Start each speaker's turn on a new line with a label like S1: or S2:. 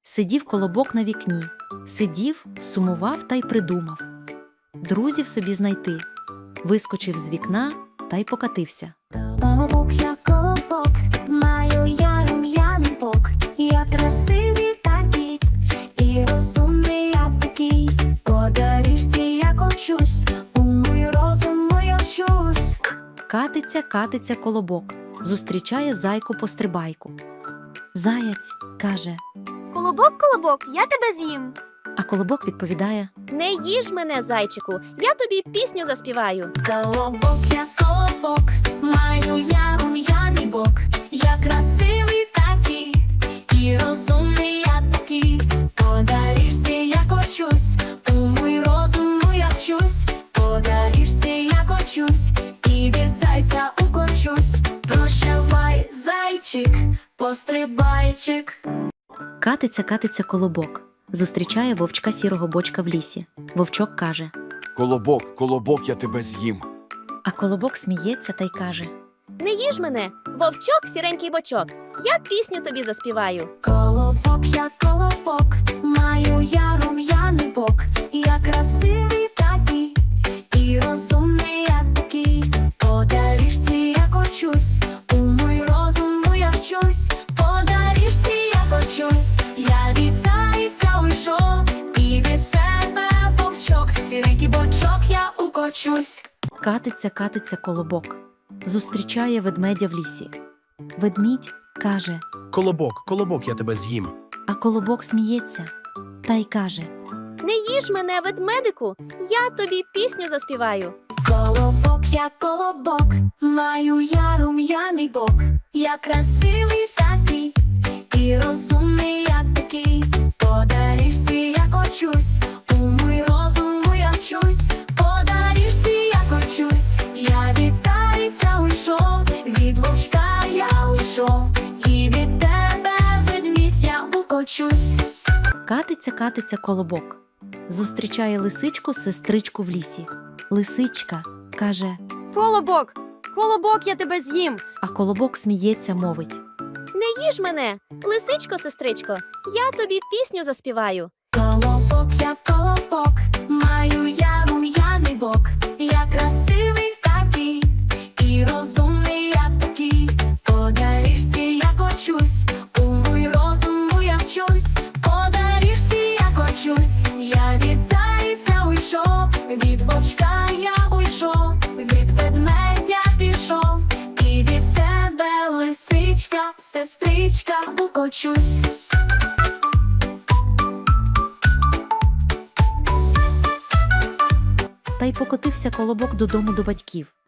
S1: Сидів колобок на вікні, сидів, сумував та й придумав. Друзів собі знайти. Вискочив з вікна та й покатився.
S2: Колобок, я колобок, маю я рум'яний бок. Я красивий такий, і розумний я такий. По доріжці я кочусь, у мій розуму я вчусь.
S1: Катиться, катиться колобок, зустрічає зайку-пострибайку. Заяць каже,
S3: Колобок, колобок, я тебе з'їм.
S1: а колобок відповідає:
S4: Не їж мене, зайчику, я тобі пісню заспіваю.
S2: Колобок, я колобок, маю я рум'яний бок. Я красивий такий, і розумний я такий. По доріжці я кочусь, у мій розуму я вчусь. По доріжці я кочусь, і від зайця укочусь. Прощавай, зайчик, пострибайчик.
S1: Катиться, катиться колобок, зустрічає вовчка сірого бочка в лісі. Вовчок каже,
S5: Колобок, колобок, я тебе з'їм.
S1: а колобок сміється та й каже:
S4: Не їж мене, вовчок, сіренький бочок, я пісню тобі заспіваю.
S2: Колобок, я колобок, маю я рум'яний бок. Я красивий такий, і розумний я такий. По доріжці я кочусь, у мій розуму я вчусь. По доріжці я кочусь, я від зайця уйшов, і від тебе, вовчок, сіренький бочок, я укочусь.
S1: Катиться, катиться колобок, зустрічає ведмедя в лісі. Ведмідь каже,
S6: Колобок, колобок, я тебе з'їм.
S1: а колобок сміється та й каже:
S4: Не їж мене, ведмедику, я тобі пісню заспіваю.
S2: Колобок, я колобок, маю я рум'яний бок. Я красивий такий, і розумний я такий. По доріжці я кочусь, у мій розуму я вчусь. По доріжці я кочусь, я від зайця уйшов, від вовчка я уйшов, і від тебе, ведмідь, я укочусь.
S1: Катиться, катиться колобок, зустрічає лисичку-сестричку в лісі. Лисичка каже,
S3: Колобок, колобок, я тебе з'їм.
S1: а колобок сміється, мовить:
S4: Не їж мене, лисичко, сестричко, я тобі пісню заспіваю.
S2: Колобок, я колобок, маю я рум'яний бок. Я красивий такий, і розумний я такий. По доріжці я кочусь, у мій розуму я вчусь. По доріжці я кочусь, я від зайця уйшов, від вовчка я уйшов, від ведмедя пішов, і від тебе, лисичка, сестричка, укочусь.
S1: та й покотився колобок додому до батьків.